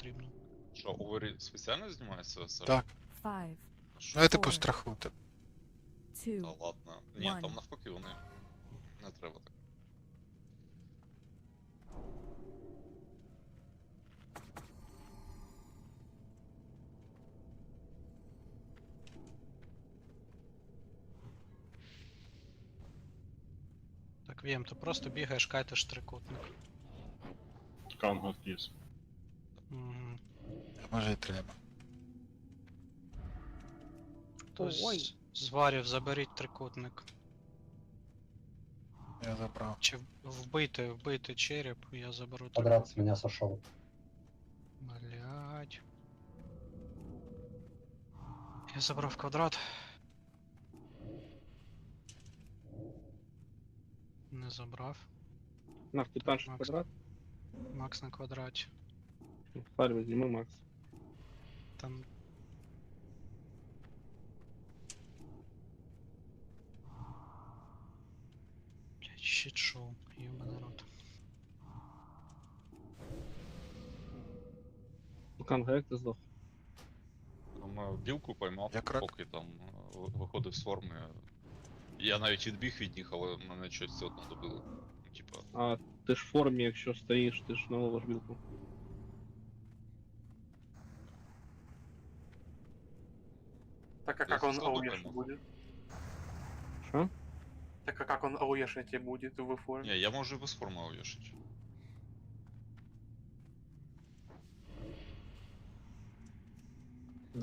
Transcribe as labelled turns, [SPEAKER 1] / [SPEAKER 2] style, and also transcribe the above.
[SPEAKER 1] потрібно.
[SPEAKER 2] Що, Овері спеціально знімається СР?
[SPEAKER 3] Так.
[SPEAKER 4] 5,
[SPEAKER 3] Ну я типу
[SPEAKER 4] Фор.
[SPEAKER 3] страху.
[SPEAKER 4] 2,
[SPEAKER 2] Та ладно. Ні, там
[SPEAKER 4] One.
[SPEAKER 2] навпаки вони. Не треба так.
[SPEAKER 1] Так, Вєм, ти просто бігаєш, кайтиш трикутник.
[SPEAKER 5] Calm hot keys.
[SPEAKER 1] Угу.
[SPEAKER 3] Може і треба.
[SPEAKER 1] Хтось
[SPEAKER 4] Ой.
[SPEAKER 1] з варів заберіть трикутник.
[SPEAKER 3] Я забрав.
[SPEAKER 1] Чи вбити череп, я заберу
[SPEAKER 6] Квадрат с
[SPEAKER 1] трикутник.
[SPEAKER 6] меня сошел.
[SPEAKER 1] Блять. Я забрав квадрат. Не забрав.
[SPEAKER 7] На, ты танчишь
[SPEAKER 1] Макс.
[SPEAKER 7] квадрат?
[SPEAKER 1] Макс на квадраті.
[SPEAKER 7] Фарь возьми, Макс.
[SPEAKER 1] Там. Блять, щит шоу, ёбаный рот.
[SPEAKER 7] Канга, як ти здох?
[SPEAKER 2] Ну, білку поймав,
[SPEAKER 3] Як рак.
[SPEAKER 2] поки там виходив з форми. Я навіть відбіг від них, але мене щось все одно добило. Типа,
[SPEAKER 7] А ти ж в формі, якщо стоїш, ти ж наловиш білку.
[SPEAKER 8] Так а
[SPEAKER 2] Я
[SPEAKER 8] как он
[SPEAKER 2] слабо
[SPEAKER 8] ауешить
[SPEAKER 2] поймал.
[SPEAKER 8] будет?
[SPEAKER 7] Що?
[SPEAKER 8] Так а как он ауешить будет в форме?
[SPEAKER 2] ні, я можу і без форми увішати.